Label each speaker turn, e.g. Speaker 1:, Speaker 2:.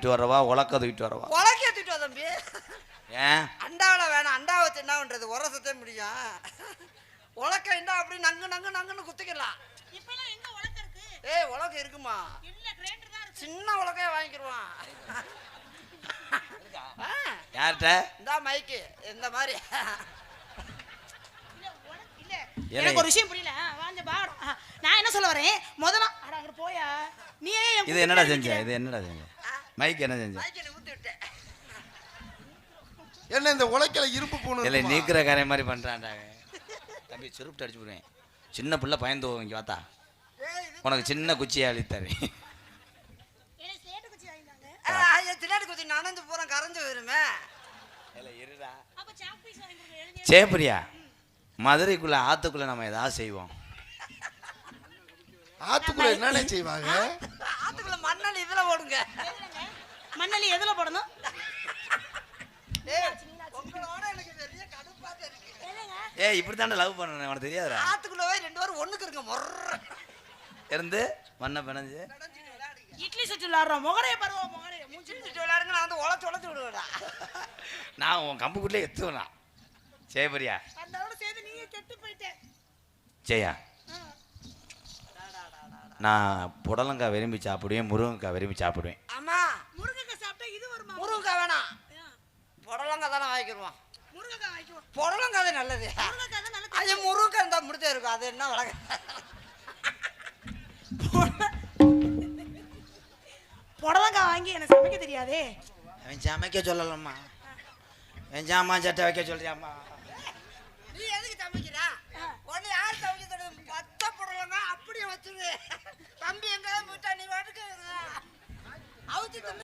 Speaker 1: தூக்கிட்டு வரவா உலக்க தூக்கிட்டு வரவா?
Speaker 2: உலக்கைய தூக்கிட்டு வா தம்பி.
Speaker 1: ஏன்
Speaker 2: அண்டாவில் வேணாம், அண்டாவை வச்சு என்ன பண்றது, உரசத்தே முடியும். உலக்க இண்டா அப்படி நங்கு நங்கு நங்குன்னு குத்திக்கலாம். ஏய் உலக்க இருக்குமா? சின்ன உலக்கைய வாங்கிக்கிடுவான்.
Speaker 1: யார்கிட்ட?
Speaker 2: இந்த மைக்கு இந்த மாதிரி.
Speaker 3: எனக்கு ஒரு விஷயம் புரியல. நான் என்ன சொல்ல வரேன், முதல்ல அங்க போயா நீ
Speaker 1: இது என்னடா செஞ்ச? இது என்னடா செஞ்ச? மைக் என்ன செஞ்ச?
Speaker 2: மைக்கில் ஊத்தி விட்டேன்.
Speaker 4: என்ன இந்த உலக்கையில இரும்பு பூணு
Speaker 1: இல்லை நீக்கிற காரியம் மாதிரி பண்ணுறான்டா தம்பி. சுருப்பிட்டு அடிச்சு போடுவேன். சின்ன பிள்ளை பயந்து இங்கே பார்த்தா உனக்கு சின்ன குச்சியை அழித்தாரு.
Speaker 2: தின்னாடி குச்சி நனைஞ்சு பூரா கரைஞ்சு போயிருமே.
Speaker 1: சேப்பரியா மதுரைக்குள்ள ஆத்துக்குள்ள நம்ம ஏதாவது செய்வோம்.
Speaker 4: ஆத்துக்குள்ள என்னென்ன செய்வாங்க?
Speaker 2: ஆத்துக்குள்ள மண்ணலி இதுல போடுங்க.
Speaker 3: மண்ணலி எதுல போடணும்?
Speaker 2: உங்களோட எனக்கு பெரிய கடுப்பாக இருக்கு.
Speaker 1: ஏய் இப்படி தானே லவ் பண்ணணும், உனக்கு தெரியாதுடா.
Speaker 2: ஆத்துக்குள்ள போய் 2 பேரும் ஒண்ணுக்கு இருங்க. மொர்ற
Speaker 1: இருந்து மண்ணை பிணைஞ்சு
Speaker 3: இட்லி சுட்டு விளாடுறோம். முகரைய பருவ முகரைய
Speaker 2: மூஞ்சி சுட்டு விளையாடுங்க. நான் வந்து உழைச்சு விடுவேடா.
Speaker 1: நான் உன் கம்புக்குள்ளே எத்துவேனா? சேப்பரியா
Speaker 3: அதோட சேர்த்து நீங்க கெட்டு போயிட்டே.
Speaker 1: ஜெயா நான் புடலங்காய் விரும்பி சாப்பிடுவேன், முருங்கைக்காய் விரும்பி சாப்பிடுவேன்.
Speaker 2: ஆமா
Speaker 3: முருங்கைக்காய் சாப்பிட்டா இது வருமா?
Speaker 2: முருங்கைக்காய் வேணாம், புடலங்காய் தானே வாங்கிக்கிடுவோம்.
Speaker 3: முருங்கைக்காய் வாங்கிக்குவோம்.
Speaker 2: புடலங்காய் தான் நல்லது.
Speaker 3: முருங்கைக்காய் தான் நல்லது.
Speaker 2: அது முருங்கைக்காய் இருந்தா முடிச்சே இருக்கும். அது என்ன வளங்க
Speaker 3: புடலங்காய் வாங்கி எனக்கு சமைக்க தெரியாதே.
Speaker 1: அவன் சமைக்க சொல்லலாமா? என் ஜாமான் சட்டை வைக்க சொல்றியாம்மா?
Speaker 2: நீ எதுக்கு சமைக்கிறா? உடனே யார் சமைக்க தெரியும்? 10 புடலங்காய் அப்படியே வச்சுரு. தம்பி எங்காவது போயிட்டா நீ வாட்டுக்கு அவுச்சு